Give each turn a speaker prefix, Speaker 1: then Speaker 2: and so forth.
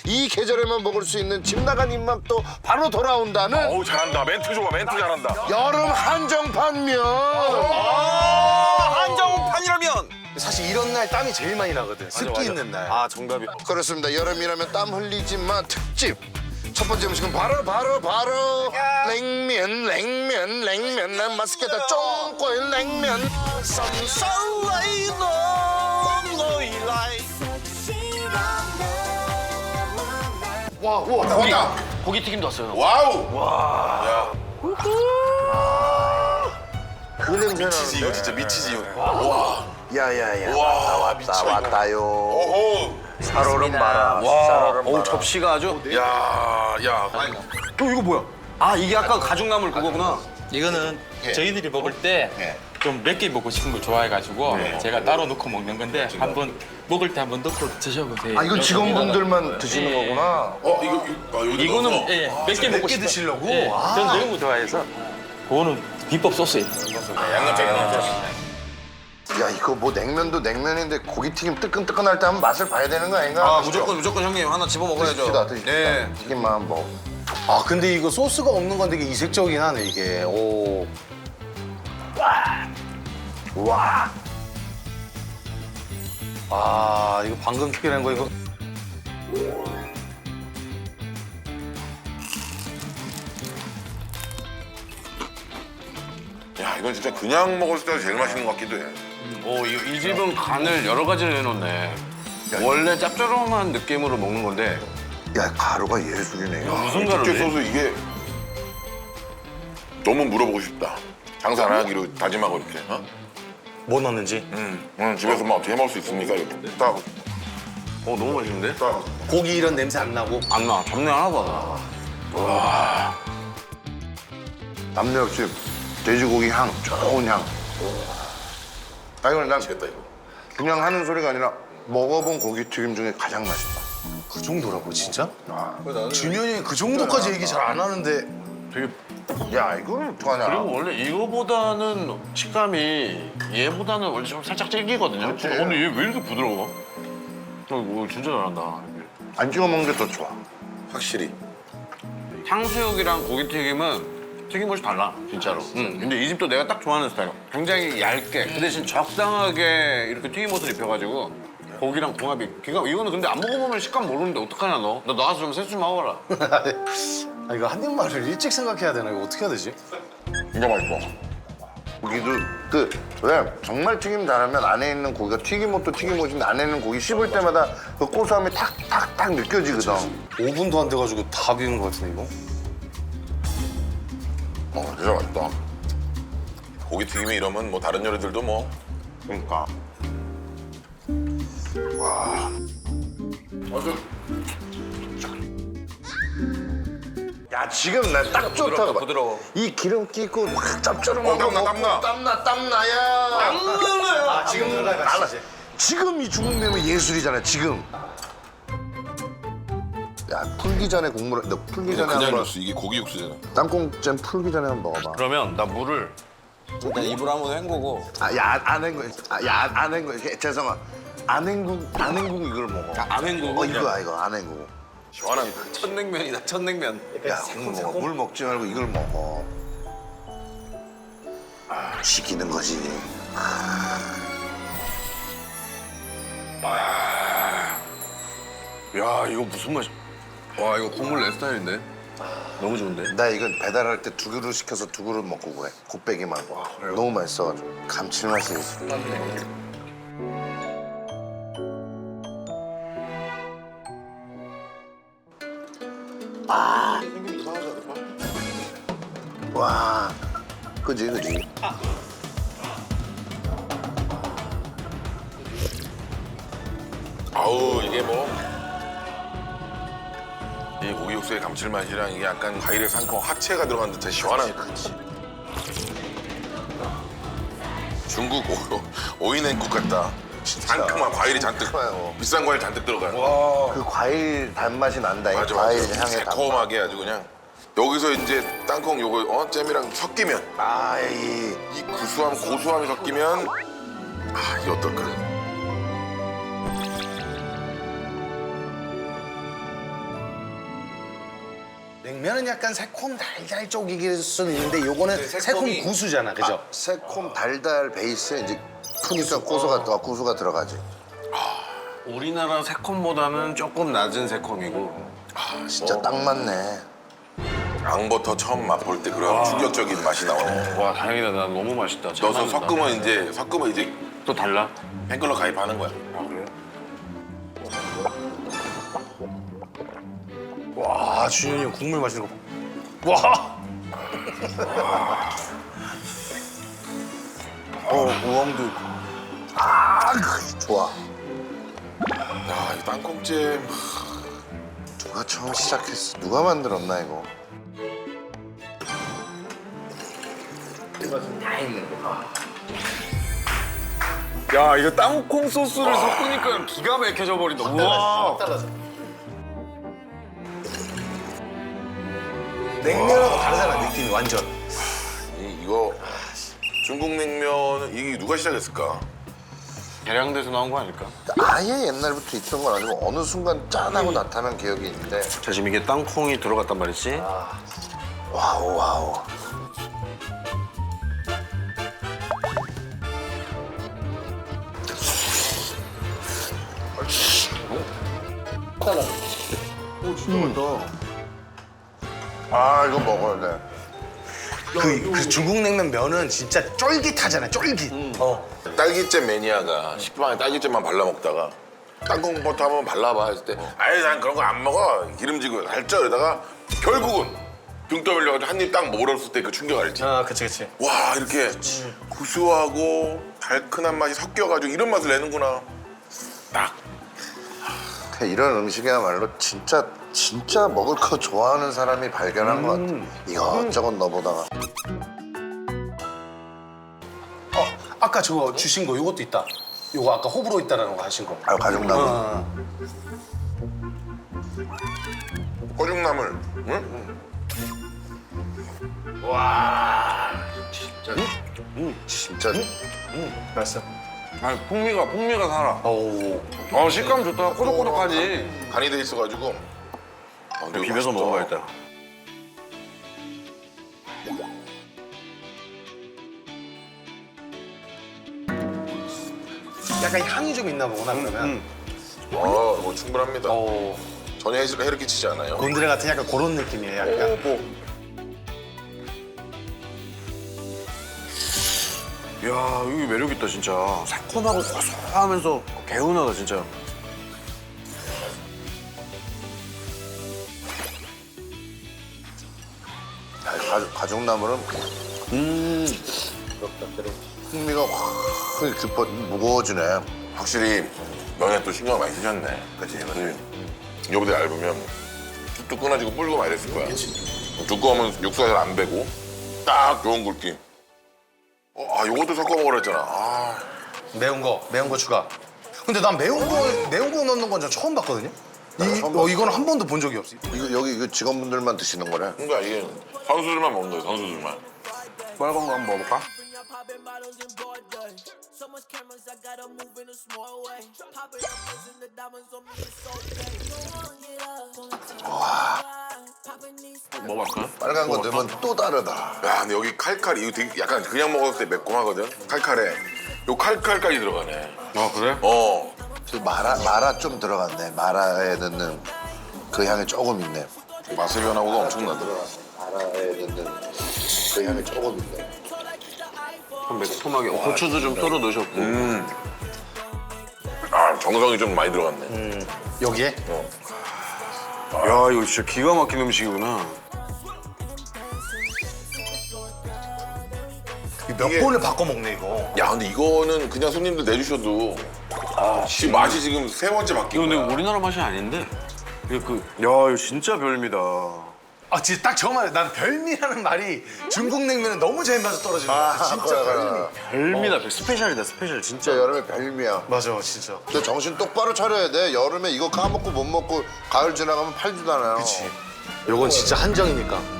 Speaker 1: 이 계절에만 먹을 수 있는 집 나간 입맛도 바로 돌아온다는
Speaker 2: 어우 잘한다. 멘트 좋아. 멘트 잘한다.
Speaker 1: 여름 한정판면.
Speaker 3: 한정판이라면
Speaker 4: 사실 이런 날 땀이 제일 많이 나거든. 습기 있는 날.
Speaker 3: 아 정답이
Speaker 1: 그렇습니다. 여름이라면 땀 흘리지만 특집. 첫 번째 음식은 바로 냉면 난 맛있겠다. 쫑꼬인 냉면.
Speaker 4: 와, 우와.
Speaker 2: 왔다.
Speaker 4: 고기 튀김도 왔어요.
Speaker 2: 와우.
Speaker 1: 그 냄새
Speaker 2: 미치지 이거
Speaker 1: 나는데.
Speaker 2: 진짜 미치지 이거.
Speaker 1: 야야야.
Speaker 2: 와 미쳐.
Speaker 1: 왔다요.
Speaker 2: 오호.
Speaker 1: 살얼음 봐라.
Speaker 3: 와,
Speaker 1: 살얼음
Speaker 3: 어우
Speaker 1: 봐라.
Speaker 3: 접시가 아주.
Speaker 2: 야.
Speaker 3: 또 이거 뭐야? 아 이게 아까 가죽나물 그거구나.
Speaker 5: 이거는 저희들이 먹을 때 좀 맵게 먹고 싶은 걸 좋아해가지고 제가 따로 넣고 먹는 건데 한번 먹을 때 한번 넣고 드셔보세요.
Speaker 1: 아 이건 직원분들만 드시는 거구나.
Speaker 2: 여기
Speaker 5: 이거는
Speaker 2: 넣어서.
Speaker 5: 예, 맵게 먹고 싶어.
Speaker 4: 드시려고?
Speaker 5: 예, 전 너무 좋아해서 그거는 비법 소스예요.
Speaker 2: 양념장이 나왔죠.
Speaker 1: 야 이거 뭐 냉면도 냉면인데 고기튀김 뜨끈뜨끈할 때 한번 맛을 봐야 되는 거 아닌가?
Speaker 3: 아 무조건 형님 하나 집어 먹어야죠.
Speaker 1: 드십시다.
Speaker 3: 네.
Speaker 1: 튀김만 한번.
Speaker 4: 아, 근데 이거 소스가 없는 건 되게 이색적이긴 하네, 이게. 오.
Speaker 1: 와.
Speaker 4: 아, 이거 방금 튀겨낸 거, 이거.
Speaker 2: 야 이건 진짜 그냥 먹을 때 제일 맛있는 것 같기도 해.
Speaker 6: 이 집은 간을 여러 가지를 해놓네. 원래 짭조름한 느낌으로 먹는 건데
Speaker 1: 야 가루가 예술이네.
Speaker 6: 무슨
Speaker 2: 특제
Speaker 6: 가루지?
Speaker 2: 소스 이게 너무 물어보고 싶다. 장사 안 하기로 다짐하고 이렇게. 어?
Speaker 4: 뭐 넣는지?
Speaker 2: 집에서 막 어떻게 해먹을 수 있습니까? 이렇게 딱.
Speaker 6: 너무 맛있는데?
Speaker 2: 딱.
Speaker 4: 고기 이런 냄새 안 나고.
Speaker 6: 안 나. 잡내 하나도 안 나.
Speaker 1: 남녀 역시 돼지고기 향, 좋은 향. 아 이건 난
Speaker 2: 됐다 이거.
Speaker 1: 그냥 하는 소리가 아니라 먹어본 고기튀김 중에 가장 맛있다.
Speaker 4: 그 정도라고, 진짜? 준현이 형이 그 정도까지 얘기 잘 안 하는데.
Speaker 6: 되게
Speaker 1: 야 이걸 어떡하냐.
Speaker 6: 그리고 원래 이거보다는 식감이 얘보다는 원래 좀 살짝 질기거든요. 근데 얘 왜 이렇게 부드러워? 진짜 잘한다.
Speaker 1: 안 찍어 먹는 게 더 좋아.
Speaker 2: 확실히.
Speaker 6: 탕수육이랑 고기튀김은 튀김옷이 달라, 진짜로. 근데 이 집도 내가 딱 좋아하는 스타일. 굉장히 얇게, 그 대신 적당하게 이렇게 튀김옷을 입혀가지고 고기랑 궁합이 이거는 근데 안 먹어보면 식감 모르는데 어떡하냐 너? 너 나와서 좀 세수 좀 먹어라.
Speaker 4: 아, 이거 한 입만을 일찍 생각해야 되나? 이거 어떻게 해야 되지?
Speaker 2: 진짜 맛있어.
Speaker 1: 고기도 왜 정말 튀김 잘하면 안에 있는 고기가 튀김옷도 튀김옷인데 안에 있는 고기 씹을 때마다 그 고소함이 탁탁탁 느껴지거든.
Speaker 4: 5분도 안 돼가지고 다 비운 것 같은데, 이거?
Speaker 2: 진짜 맛있다. 고기 튀김이 이러면 뭐 다른 요리들도 뭐.
Speaker 1: 그러니까. 야 지금 나 딱 좋다.
Speaker 3: 부드러워.
Speaker 1: 이 기름기 있고 막 짭조름하고
Speaker 2: 땀나.
Speaker 1: 땀나야.
Speaker 4: 아, 지금 들어가야
Speaker 1: 지금 이 중국냉면 예술이잖아 지금. 야 풀기 전에 국물 너 풀기 전에 한번
Speaker 2: 이게 고기 육수잖아.
Speaker 1: 땅콩잼 풀기 전에 한번 먹어봐.
Speaker 6: 그러면 나 물을
Speaker 3: 일단 입으로 한번 헹구고.
Speaker 1: 안 헹구. 안 헹구. 죄송아. 안 헹구 이걸 먹어.
Speaker 3: 안 헹구고.
Speaker 1: 이거 안 헹구.
Speaker 2: 시원합니다.
Speaker 3: 첫 냉면이다, 첫 냉면.
Speaker 1: 야 국물 먹어. 물 먹지 말고 이걸 먹어. 시키는 거지.
Speaker 6: 야 이거 무슨 맛이? 와 이거 국물 내 스타일인데? 너무 좋은데?
Speaker 1: 나 이건 배달할 때 2그릇 시켜서 2그릇 먹고 그래. 곱빼기만. 너무 맛있어가지고. 감칠맛이 있어. 와. 그지.
Speaker 2: 아우 이게 뭐. 이 고기 육수의 감칠맛이랑 이게 약간 과일의 상큼 화채가 들어간 듯한 시원한. 중국 오이냉국 같다. 상큼한 과일이 잔뜩
Speaker 1: 좋아요.
Speaker 2: 비싼 과일 잔뜩 들어가.
Speaker 1: 그 과일 단맛이 난다. 이
Speaker 2: 맞아
Speaker 1: 과일
Speaker 2: 맞아.
Speaker 1: 향의 단맛.
Speaker 2: 새콤하게 아주 그냥. 여기서 이제 땅콩 요거 잼이랑 섞이면
Speaker 1: 아이.
Speaker 2: 이 구수함 고소함이 섞이면 이게 어떨까?
Speaker 4: 냉면은 약간 새콤 달달 쪽이길 수는 있는데 요거는 새콤 구수잖아, 그죠?
Speaker 1: 새콤 달달 베이스에 이제 크니까 고수가 들어가지.
Speaker 6: 우리나라 새콤보다는 조금 낮은 새콤이고.
Speaker 1: 진짜 딱 맞네.
Speaker 2: 앙버터 처음 맛볼 때 그런 충격적인 맛이 나오네.
Speaker 6: 와 다행이다. 나 너무 맛있다. 잘
Speaker 2: 넣어서
Speaker 6: 맞는다.
Speaker 2: 섞으면 이제
Speaker 6: 또 달라?
Speaker 2: 팬클럽 가입하는 거야.
Speaker 6: 아 그래?
Speaker 4: 와, 준현이 형 국물 마시는 거 봐. 와! 우엉도 있고.
Speaker 1: 좋아.
Speaker 2: 야, 이 땅콩찜.
Speaker 1: 누가 처음 시작했어? 누가 만들었나 이거?
Speaker 6: 야 이거 땅콩 소스를 섞으니까 기가 막혀져 버린다. 우와.
Speaker 4: 냉면하고 다르잖아, 느낌이 완전.
Speaker 2: 이거 중국 냉면은 이게 누가 시작했을까?
Speaker 6: 계량돼서 나온 거 아닐까?
Speaker 1: 아예 옛날부터 있던 건 아니고 어느 순간 짠하고 나타난 기억이 있는데.
Speaker 6: 자 지금 이게 땅콩이 들어갔단 말이지.
Speaker 1: 와우. 이거 먹어야 돼.
Speaker 4: 그 중국 냉면 면은 진짜 쫄깃하잖아, 쫄깃.
Speaker 2: 딸기잼 매니아가 식빵에 딸기잼만 발라 먹다가 땅콩버터 한번 발라봐 했을 때 아이 난 그런 거 안 먹어 기름지고 살쪄 이러다가 결국은 등 떠밀려가지고 한 입 딱 먹었을 때 그 충격 알지?
Speaker 4: 아, 그치.
Speaker 2: 와 이렇게 구수하고 달큰한 맛이 섞여가지고 이런 맛을 내는구나. 딱
Speaker 1: 이런 음식이야말로 진짜 먹을 거 좋아하는 사람이 발견한 것 같아. 이것저것 넣어보다가.
Speaker 4: 아까 저거 주신 거 요것도 있다. 요거 아까 호불호 있다라는 거 하신 거.
Speaker 1: 가죽나무.
Speaker 2: 꼬죽나물. 응?
Speaker 1: 진짜
Speaker 4: 맛있어.
Speaker 6: 아니 풍미가 살아.
Speaker 4: 오.
Speaker 6: 식감 좋다. 꼬독꼬독하지.
Speaker 2: 간이 돼 있어가지고 이거
Speaker 6: 비벼서
Speaker 2: 맛있다.
Speaker 6: 먹어봐야겠다.
Speaker 4: 약간 향이 좀 있나 보구나, 그러면.
Speaker 2: 뭐 충분합니다.
Speaker 4: 오.
Speaker 2: 전혀 해를 끼치지 않아요.
Speaker 4: 곤드레 같은 약간 그런 느낌이에요, 약간.
Speaker 6: 야 이게 매력 있다 진짜. 새콤하고 고소하면서 개운하다 진짜.
Speaker 1: 가죽나물은 풍미가 확 깊어 무거워지네.
Speaker 2: 확실히 면에 또 신경을 많이 쓰셨네. 그치? 이거보다 얇으면 뚝뚝 끊어지고 불고 막 이랬을 거야. 두꺼우면 육수가 잘 안 배고 딱 좋은 굵기. 요것도 섞어 먹으라 했잖아.
Speaker 4: 매운 거 추가. 근데 난 매운 거 넣는 건 저 처음 봤거든요. 이거는 한 번도 본 적이 없어.
Speaker 1: 여기 직원분들만 드시는 거래.
Speaker 2: 그러니까 이게 선수들만 먹는 거야, 선수들만.
Speaker 6: 빨간 거 한번 먹어볼까?
Speaker 7: Popping bottles in broad day. So much cameras, I gotta move in a small way. Popping up and the diamonds on me, it's okay. Popping these.
Speaker 6: 먹어볼까?
Speaker 1: 빨간 거 넣으면 또 다르다.
Speaker 2: 야, 근데 여기 칼칼이 이거 되게 약간 그냥 먹었을 때 매콤하거든. 칼칼에 요 칼칼까지 들어가네.
Speaker 6: 아 그래?
Speaker 1: 그 마라 좀 들어갔네. 마라에 넣는 그 향이 조금 있네.
Speaker 2: 맛의 변화가 엄청나더라.
Speaker 1: 마라에 넣는 그 향이 조금 있네.
Speaker 6: 좀 매콤하게. 고추도 좀 썰어 넣으셨고.
Speaker 2: 정성이 좀 많이 들어갔네.
Speaker 4: 여기에?
Speaker 6: 야 이거 진짜 기가 막힌 음식이구나.
Speaker 4: 몇 번을 바꿔 먹네 이거.
Speaker 2: 야, 근데 이거는 그냥 손님들 내주셔도 맛이 지금 세 번째
Speaker 6: 이거
Speaker 2: 바뀌고.
Speaker 6: 근데 우리나라 맛이 아닌데? 이거 이거 진짜 별미다.
Speaker 4: 아 진짜 딱 저 말이야. 난 별미라는 말이 중국 냉면은 너무 제 입맛에 떨어지는 것 같아. 진짜 별미.
Speaker 6: 별미다. 스페셜이다 스페셜 진짜.
Speaker 1: 진짜 여름에 별미야.
Speaker 4: 맞아 진짜.
Speaker 1: 근데 정신 똑바로 차려야 돼. 여름에 이거 까먹고 못 먹고 가을 지나가면 팔지도 않아요.
Speaker 4: 그치. 요건 진짜 한정이니까.